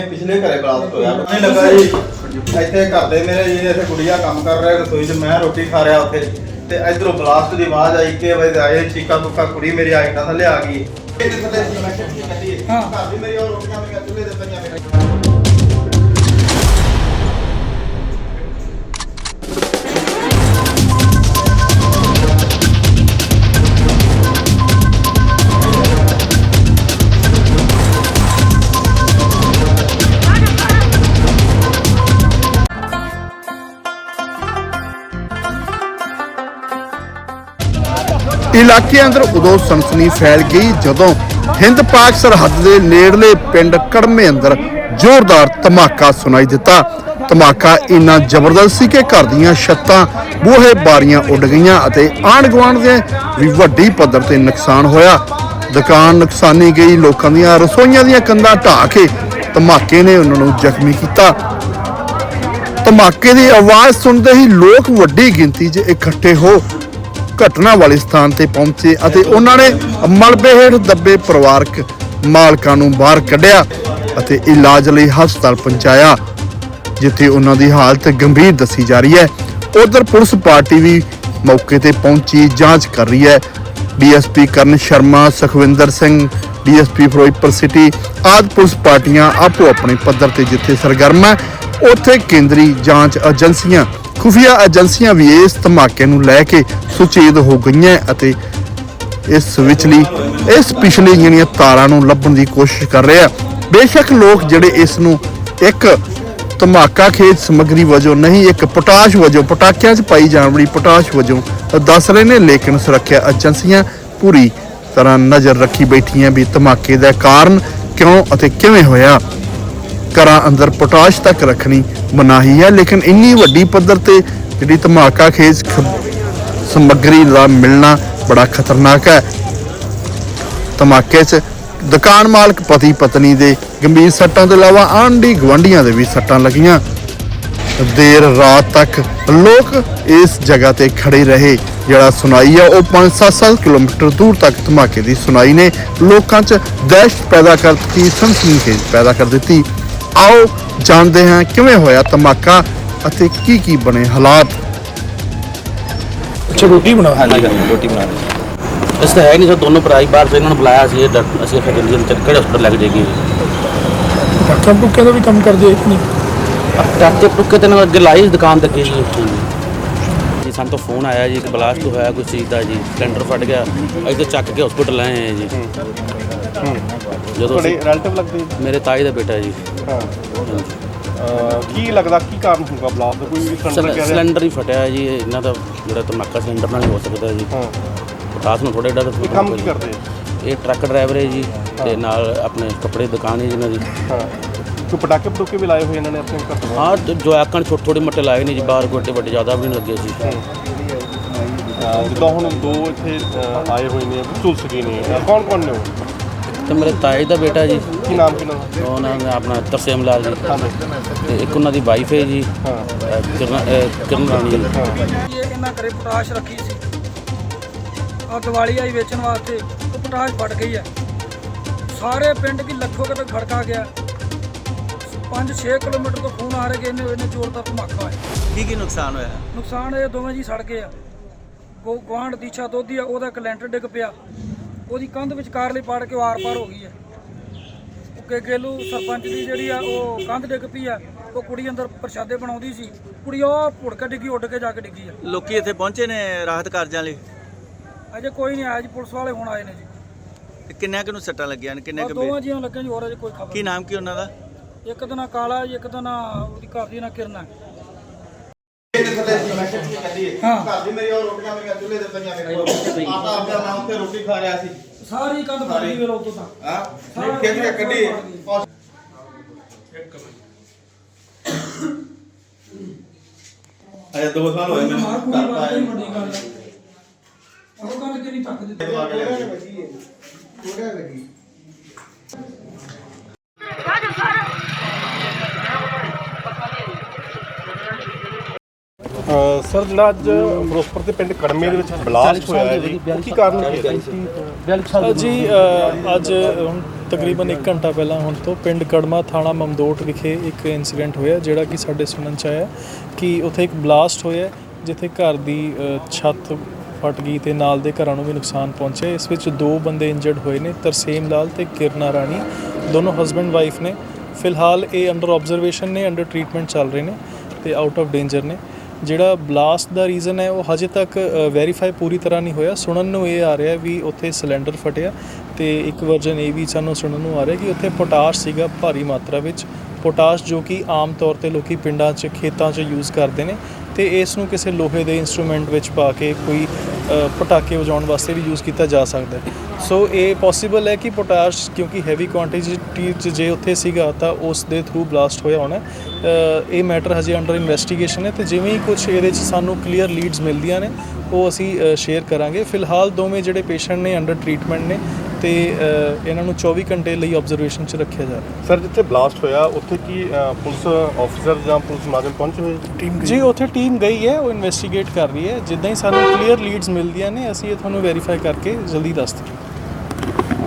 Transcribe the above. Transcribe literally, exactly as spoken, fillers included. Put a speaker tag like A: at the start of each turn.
A: पिछले घरे ब्लास्ट होया पता नहीं लगा जी इत्थे घर दे मेरे जी इत्थे गुड़िया काम कर रहा रसोई च मैं रोटी खा रहा उत्थे ते इधरों ब्लास्ट दी आवाज आई के बजे आए चीका तुका कुड़ी मेरी आइटा थल्ले आ गई हां घर दी मेरी और रोटियां मेरी चुल्हे दे पईयां मेरे
B: इलाके अंदर उदों सनसनी फैल गई जदों हिंद पाक सरहद के नेड़ले पिंड कड़मे अंदर जोरदार धमाका सुनाई दिता। धमाका इन्ना जबरदस्त सी कि घर दीयां छत्तां बूहे बारियां उड़ गईयां अते आंढ गुआंढ दे भी वड्डी पद्धर ते नुकसान होया। दुकान नुकसानी गई, लोकां दीयां रसोईयां दीयां कंधां ढाह के धमाके ने उन्हां नूं जख्मी कीता। धमाके की आवाज़ सुनते ही लोग वड्डी गिनती च इकट्ठे हो घटना वाले स्थान ते पहुंचे अते उन्होंने मलबे हेठ दबे परिवारक मालकां नूं बाहर कढ़िया अते इलाज लई हस्पताल पहुंचाया जिथे उन्हां दी हालत गंभीर दसी जा रही है। उधर पुलिस पार्टी भी मौके ते पहुंची जांच कर रही है। D S P Karan Sharma, Sukhwinder Singh, D S P Ferozepur city आदि पुलिस पार्टियां आपो अपने पद्धर ते जिथे सरगर्म है उत्थे केंद्री जांच एजेंसियां खुफिया एजेंसियां भी इस धमाके नूं लैके सुचेत हो गई अते इस विचली इस पिछली ਜਿਹੜੀਆਂ ਤਾਰਾਂ ਨੂੰ ਲੱਭਣ ਦੀ कोशिश कर रहे हैं। बेशक लोग ਜਿਹੜੇ ਇਸ ਨੂੰ ਇੱਕ ਧਮਾਕਾ ਖੇਜ ਸਮੱਗਰੀ ਵਜੋਂ नहीं एक पोटाश ਵਜੋਂ ਪਟਾਕਿਆਂ 'ਚ ਪਾਈ ਜਾਣ ਵਾਲੀ पोटाश ਵਜੋਂ ਦੱਸ ਰਹੇ ਨੇ, ਲੇਕਿਨ ਸੁਰੱਖਿਆ ਏਜੰਸੀਆਂ ਪੂਰੀ ਤਰ੍ਹਾਂ ਨਜ਼ਰ ਰੱਖੀ ਬੈਠੀਆਂ ਵੀ ਧਮਾਕੇ ਦਾ ਕਾਰਨ ਕਿਉਂ ਅਤੇ ਕਿਵੇਂ ਹੋਇਆ। घरां अंदर पोटाश तक रखनी मनाही है, लेकिन इन्नी वड्डी पद्धर ते जिहड़ी धमाका खेज समग्री का मिलना बड़ा खतरनाक है। धमाके च दुकान मालक पति पत्नी दे गंभीर सट्टां तो इलावा आंढी गुआंढियां दे भी सट्टां लगियां। देर रात तक लोग इस जगह ते खड़े रहे। जिहड़ा सुनाई है वह पाँच सत्त सत्त किलोमीटर दूर तक धमाके की सुनाई ने लोगों च दहशत पैदा कर दी, सनसनीखेज पैदा कर दी। आओ जानते हैं किवें होया धमाका अते की की बने हालात।
C: अच्छा रोटी बना हाँ जी रोटी बना रहे इस तो है नहीं सर दोनों भरा बाहर से इन्होंने बुलाया सी असं फिर किहड़े हॉस्पिटल लग जाएगी
D: डॉक्टर टुक्के का भी काम कर दे
C: डॉक्टर टुक्के तो अगे लाई दुकान तक जी जी सानू तो फोन आया जी कि ब्लास्ट होया कुछ चीज़ का जी सिलेंडर फट गया अभी तो चक के हॉस्पिटल आए हैं जी जो
D: रिलेटिव लगते
C: मेरे ताई का बेटा जी
D: ਕੀ ਲੱਗਦਾ ਕੀ ਕਾਰਨ ਹੋਊਗਾ ਬਲਾਸਟ ਦਾ? ਕੋਈ ਸਿਲੰਡਰ ਕਹਿ
C: ਸਿਲੰਡਰ ਹੀ ਫਟਿਆ ਜੀ ਇਹਨਾਂ ਦਾ ਜਿਹੜਾ ਧਮਾਕਾ ਸਿਲੰਡਰ ਨਾਲ ਹੀ ਹੋ ਸਕਦਾ ਜੀ। ਹਾਂ ਪਟਾਸ ਨੂੰ ਥੋੜੇ ਡਰ
D: ਕੰਮ ਕੀ ਕਰਦੇ
C: ਇਹ ਟਰੱਕ ਡਰਾਈਵਰ ਹੈ ਜੀ ਤੇ ਨਾਲ ਆਪਣੇ ਕੱਪੜੇ ਦੀ ਦੁਕਾਨ ਹੈ ਜਿਹਨਾਂ ਦੀ।
D: ਹਾਂ ਕੋਈ ਪਟਾਕੇ ਪਟੂਕੇ ਵੀ ਲਾਏ ਹੋਏ ਇਹਨਾਂ ਨੇ ਆਪਣੇ ਘਰ?
C: ਹਾਂ ਜੋ ਆਕਣ ਛੋਟੇ ਛੋਟੇ ਮੱਟੇ ਲਾਏ ਨਹੀਂ ਜੀ, ਬਾਹਰ ਗੋਡੇ ਵੱਡੇ ਜ਼ਿਆਦਾ ਵੀ ਨਹੀਂ ਲੱਗੇ ਸੀ।
D: ਜਿੱਦਾਂ ਹੁਣ ਦੋ ਇੱਥੇ ਆਏ ਹੋਏ ਨੇ ਝੁਲਸ ਗਏ ਨੇ, ਕੌਣ ਕੌਣ ਨੇ ਉਹ?
C: ਤੇ ਮੇਰੇ ਤਾਏ ਦਾ ਬੇਟਾ ਜੀ।
D: ਕੀ ਨਾਮ ਕਿਹਨਾਂ ਦਾ?
C: ਉਹਨਾਂ ਦਾ ਆਪਣਾ ਤਰਸੇਮ ਲਾਲ ਜੀ ਤੇ ਇੱਕ ਉਹਨਾਂ ਦੀ ਵਾਈਫ ਹੈ ਜੀ ਕਿਰਨ ਕਿਰਨ ਰਾਣੀ ਜੀ।
E: ਇਹ ਇਹਨਾਂ ਘਰੇ ਪੋਟਾਸ਼ ਰੱਖੀ ਸੀ, ਆ ਦੀਵਾਲੀ ਆਈ ਵੇਚਣ ਵਾਸਤੇ, ਉਹ ਪੋਟਾਸ਼ ਫਟ ਗਈ ਹੈ। ਸਾਰੇ ਪਿੰਡ ਕੀ ਲੱਖੋਂ ਕਿਤੇ ਖੜਕਾ ਗਿਆ। ਪੰਜ ਛੇ ਕਿਲੋਮੀਟਰ ਤੋਂ ਫੋਨ ਆ ਰਹੇ ਕਿ ਇਹਨੇ ਇਹਨੇ ਜ਼ੋਰਦਾਰ ਧਮਾਕਾ ਹੋਇਆ।
F: ਕੀ ਕੀ ਨੁਕਸਾਨ ਹੋਇਆ?
E: ਨੁਕਸਾਨ ਇਹ ਦੋਵੇਂ ਜੀ ਸੜ ਗਏ ਆ। ਗੋ ਗੁਆਂਢ ਦੀਛਾ ਦੋਧੀ ਆ, ਉਹਦਾ ਇੱਕ ਲੈਂਟਰ ਡਿੱਗ ਪਿਆ, ਉਹਦੀ ਕੰਧ ਵਿਚਕਾਰ ਲਈ ਪਾੜ ਕੇ ਆਰ ਪਾਰ ਹੋ ਗਈ ਹੈ। ਉਹ ਗੇਲੂ ਸਰਪੰਚ ਦੀ ਜਿਹੜੀ ਆ ਉਹ ਕੰਧ ਡਿੱਗ ਪਈ ਆ। ਉਹ ਕੁੜੀ ਅੰਦਰ ਪ੍ਰਸ਼ਾਦੇ ਬਣਾਉਂਦੀ ਸੀ, ਕੁੜੀ ਉਹ ਭੁੜ ਕੇ ਡਿੱਗੀ, ਉੱਡ ਕੇ ਜਾ ਕੇ ਡਿੱਗੀ ਆ।
F: ਲੋਕੀ ਇੱਥੇ ਪਹੁੰਚੇ ਨੇ ਰਾਹਤ ਕਾਰਜਾਂ ਲਈ?
E: ਅਜੇ ਕੋਈ ਨਹੀਂ ਆਇਆ ਜੀ, ਪੁਲਿਸ ਵਾਲੇ ਹੁਣ ਆਏ ਨੇ ਜੀ।
F: ਤੇ ਕਿੰਨਿਆਂ ਕੁ ਨੂੰ ਸੱਟਾਂ ਲੱਗੀਆਂ ਨੇ? ਕਿੰਨੇ ਕੁ
E: ਦੋਵਾਂ ਜੀਆਂ ਲੱਗਿਆ ਜੀ, ਹੋਰ ਅਜੇ ਕੋਈ ਖਬਰ।
F: ਕੀ ਨਾਮ ਕੀ ਉਹਨਾਂ ਦਾ?
E: ਇੱਕ ਦਾ ਨਾਂ ਕਾਲਾ ਜੀ, ਇੱਕ ਦਾ ਨਾਂ ਉਹਦੀ ਘਰ ਦੀ ਨਾਂ ਕਿਰਨਾ।
A: ਹਾਂ ਘਰ ਦੀ ਮੇਰੀ ਉਹ ਰੋਟੀਆਂ ਮੇਰੀਆਂ ਚੁੱਲ੍ਹੇ ਦੇ ਪਈਆਂ ਮੇਰੇ ਕੋਲ ਆਟਾ ਆਪਿਆ ਮੈਂ ਉੱਥੇ ਰੋਟੀ ਖਾ ਰਿਹਾ ਸੀ।
E: ਸਾਰੀ ਕੰਧ ਫੜ ਗਈ ਵੇਲੋ ਤੋਂ ਤਾਂ
A: ਹਾਂ ਖੇਤ ਕੇ ਕੱਢੀ ਅਜੇ ਦੋ ਸਾਲ ਹੋਏ ਮੈਨੂੰ ਘਰ ਆਏ।
E: ਵੱਡੀ ਗੱਲ ਹੈ ਉਹ ਕੰਧ ਕਿਹਨੀ ਤੱਕ ਦਿੱਤੀ ਥੋੜਾ ਲੱਗੀ।
D: ਸਰ ਜਿਹੜਾ ਅੱਜ ਫਿਰੋਜ਼ਪੁਰ ਦੇ ਪਿੰਡ ਕੜਮੇ ਦੇ ਵਿੱਚ ਬਲਾਸਟ ਹੋਇਆ ਹੈ ਜੀ, ਕੀ ਕਾਰਨ ਹੈ ਜੀ? ਅੱਜ
G: ਤਕਰੀਬਨ ਇੱਕ ਘੰਟਾ ਪਹਿਲਾਂ ਹੁਣ ਤੋਂ ਪਿੰਡ ਕੜਮਾ ਥਾਣਾ ਮਮਦੋਟ ਵਿਖੇ ਇੱਕ ਇਨਸੀਡੈਂਟ ਹੋਇਆ ਜਿਹੜਾ ਕਿ ਸਾਡੇ ਸੁਣਨ ਚ ਆਇਆ ਕਿ ਉੱਥੇ ਇੱਕ ਬਲਾਸਟ ਹੋਇਆ ਜਿੱਥੇ ਘਰ ਦੀ ਅ, ਛੱਤ ਫਟ ਗਈ ਤੇ ਨਾਲ ਦੇ ਘਰਾਂ ਨੂੰ ਵੀ ਨੁਕਸਾਨ ਪਹੁੰਚਿਆ। ਇਸ ਵਿੱਚ ਦੋ ਬੰਦੇ ਇੰਜਰਡ ਹੋਏ ਨੇ, ਤਰਸੇਮ ਲਾਲ ਤੇ ਕਿਰਨਾ ਰਾਣੀ, ਦੋਨੋਂ ਹਸਬੈਂਡ ਵਾਈਫ ਨੇ। ਫਿਲਹਾਲ ਇਹ ਅੰਡਰ ਆਬਜ਼ਰਵੇਸ਼ਨ ਨੇ, ਅੰਡਰ ਟਰੀਟਮੈਂਟ ਚੱਲ ਰਹੇ ਨੇ ਤੇ ਆਊਟ ਆਫ ਡੇਂਜਰ ਨੇ। ਜਿਹੜਾ ਬਲਾਸਟ ਦਾ ਰੀਜ਼ਨ ਹੈ ਉਹ ਹਜੇ ਤੱਕ ਵੈਰੀਫਾਈ ਪੂਰੀ ਤਰ੍ਹਾਂ ਨਹੀਂ ਹੋਇਆ। ਸੁਣਨ ਨੂੰ ਇਹ ਆ ਰਿਹਾ ਵੀ ਉੱਥੇ ਸਿਲੰਡਰ ਫਟਿਆ ਤੇ ਇੱਕ ਵਰਜਨ ਇਹ ਵੀ ਸਾਨੂੰ ਸੁਣਨ ਨੂੰ ਆ ਰਿਹਾ ਕਿ ਉੱਥੇ ਪੋਟਾਸ਼ ਸੀਗਾ ਭਾਰੀ ਮਾਤਰਾ ਵਿੱਚ, ਪੋਟਾਸ਼ ਜੋ ਕਿ ਆਮ ਤੌਰ ਤੇ ਲੋਕੀ ਪਿੰਡਾਂ 'ਚ ਖੇਤਾਂ 'ਚ ਯੂਜ਼ ਕਰਦੇ ਨੇ ਤੇ ਇਸ ਨੂੰ ਕਿਸੇ ਲੋਹੇ ਦੇ ਇੰਸਟਰੂਮੈਂਟ ਵਿੱਚ ਪਾ ਕੇ ਕੋਈ ਅ, ਪਟਾਕੇ ਵਜਾਉਣ ਵਾਸਤੇ ਵੀ ਯੂਜ਼ ਕੀਤਾ ਜਾ ਸਕਦਾ ਹੈ। ਸੋ ਇਹ ਪੋਸੀਬਲ ਹੈ ਕਿ ਪੋਟਾਸ਼ ਕਿਉਂਕਿ ਹੈਵੀ ਕੁਆਂਟੀਟੀ 'ਚ ਜੇ ਉੱਥੇ ਸੀਗਾ ਤਾਂ ਉਸ ਦੇ ਥਰੂ ਬਲਾਸਟ ਹੋਇਆ ਹੋਣਾ। ਅ, ਇਹ ਮੈਟਰ ਹਜੇ ਅੰਡਰ ਇਨਵੈਸਟੀਗੇਸ਼ਨ ਹੈ ਤੇ ਜਿਵੇਂ ਹੀ ਕੁਝ ਇਹਦੇ 'ਚ ਸਾਨੂੰ ਕਲੀਅਰ ਲੀਡਸ ਮਿਲਦੀਆਂ ਨੇ ਉਹ ਅਸੀਂ ਸ਼ੇਅਰ ਕਰਾਂਗੇ। ਫਿਲਹਾਲ ਦੋਵੇਂ ਜਿਹੜੇ ਪੇਸ਼ੈਂਟ ਨੇ ਅੰਡਰ ਟਰੀਟਮੈਂਟ ਨੇ ਤੇ ਅ, ਇਹਨਾਂ ਨੂੰ ਚੌਵੀ ਘੰਟੇ ਲਈ ਆਬਜ਼ਰਵੇਸ਼ਨ 'ਚ ਰੱਖਿਆ ਜਾ ਰਿਹਾ।
D: ਸਰ ਜਿੱਥੇ ਬਲਾਸਟ ਹੋਇਆ ਉੱਥੇ ਕੀ ਅ, ਪੁਲਿਸ ਆਫੀਸਰ ਜਾਂ ਪੁਲਿਸ ਮੁਲਾਜ਼ਮ ਪਹੁੰਚੇ ਹੋਏ ਟੀਮ
G: ਜੀ ਉੱਥੇ ਟੀਮ ਗਈ ਹੈ, ਉਹ ਇਨਵੈਸਟੀਗੇਟ ਕਰ ਰਹੀ ਹੈ। ਜਿੱਦਾਂ ਹੀ ਸਾਨੂੰ ਕਲੀਅਰ ਲੀਡਸ ਮਿਲਦੀਆਂ ਨੇ ਅਸੀਂ ਇਹ ਤੁਹਾਨੂੰ ਵੈਰੀਫਾਈ ਕਰਕੇ ਜਲਦੀ ਦੱਸ ਦਿਆਂਗੇ।